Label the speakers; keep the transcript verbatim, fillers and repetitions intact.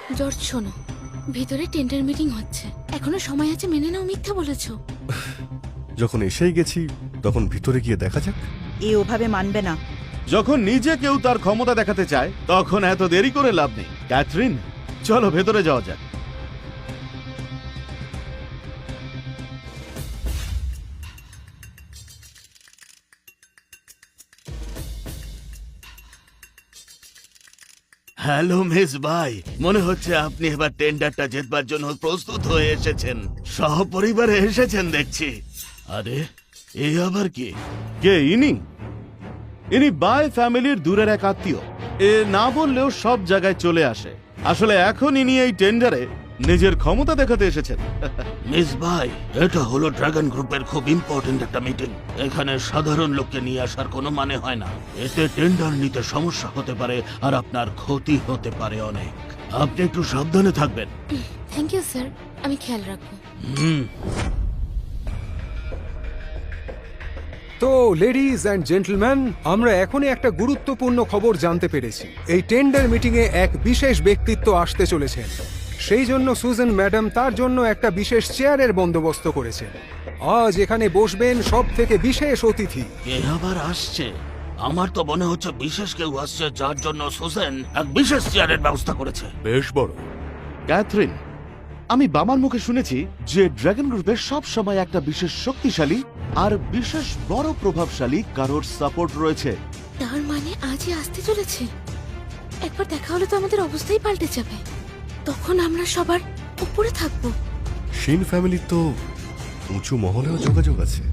Speaker 1: George শোনো, ভিতরে tender meeting হচ্ছে, এখনো সময় আছে, মেনে নাও মিথ্যা বলেছো।
Speaker 2: যখন এসেই গেছি তখন ভিতরে গিয়ে দেখা যাক।
Speaker 3: এ ওভাবে মানবে না।
Speaker 4: যখন নিজে কেউ তার ক্ষমতা দেখাতে চায় তখন এত দেরি করে লাভ নেই। ক্যাথরিন, চলো ভেতরে যাওয়া যাক। হ্যালো মিস ভাই, মনে হচ্ছে আপনি এবার টেন্ডারটা জেতবার জন্য প্রস্তুত হয়ে এসেছেন। সহপরিবারে এসেছেন দেখছি। আরে এ আবার কি? কে ইনি? ইনি বাই ফ্যামিলির দূরের এক আত্মীয়। এ না বললেও সব জায়গায় চলে আসে। আসলে এখন ইনি এই টেন্ডারে নিজের ক্ষমতা দেখাতে এসেছেন।
Speaker 5: মিস ভাই, এটা হলো ড্রাগন গ্রুপের খুব ইম্পর্টেন্ট একটা মিটিং। এখানে সাধারণ লোককে নিয়ে আসার কোনো মানে হয় না। এতে টেন্ডার নিতে সমস্যা হতে পারে আর আপনার ক্ষতি হতে পারে অনেক। আপনি একটু সাবধানে থাকবেন।
Speaker 1: থ্যাংক ইউ স্যার, আমি খেয়াল রাখবো।
Speaker 5: হুম।
Speaker 6: তো লেডিজ অ্যান্ড জেন্টলম্যান, আমরা এখনই একটা গুরুত্বপূর্ণ খবর জানতে পেরেছি। এই টেন্ডার মিটিংয়ে এক বিশেষ ব্যক্তিত্ব আসতে চলেছেন। সেই জন্য সুজান ম্যাডাম তার জন্য একটা বিশেষ চেয়ারের বন্দোবস্ত করেছেন। আজ এখানে বসবেন সব থেকে বিশেষ অতিথি।
Speaker 5: কে আবার আসছে? আমার তো মনে হচ্ছে বিশেষ কেউ আসছে, যার জন্য সুজেন এক বিশেষ চেয়ারের ব্যবস্থা করেছে।
Speaker 2: বেশ বড়।
Speaker 4: ক্যাথরিন, আমি বাবার মুখে শুনেছি যে ড্রাগন গ্রুপের সব সময় একটা বিশেষ শক্তিশালী আর বিশেষ বড় প্রভাবশালী কারোর সাপোর্ট রয়েছে।
Speaker 1: তার মানে আজই আসতে চলেছে। একবার দেখা হলে তো আমাদের অবস্থাই পাল্টে যাবে। তখন আমরা সবার উপরে থাকবো।
Speaker 2: শিন ফ্যামিলির তো উঁচু মহলেও যোগাযোগ আছে।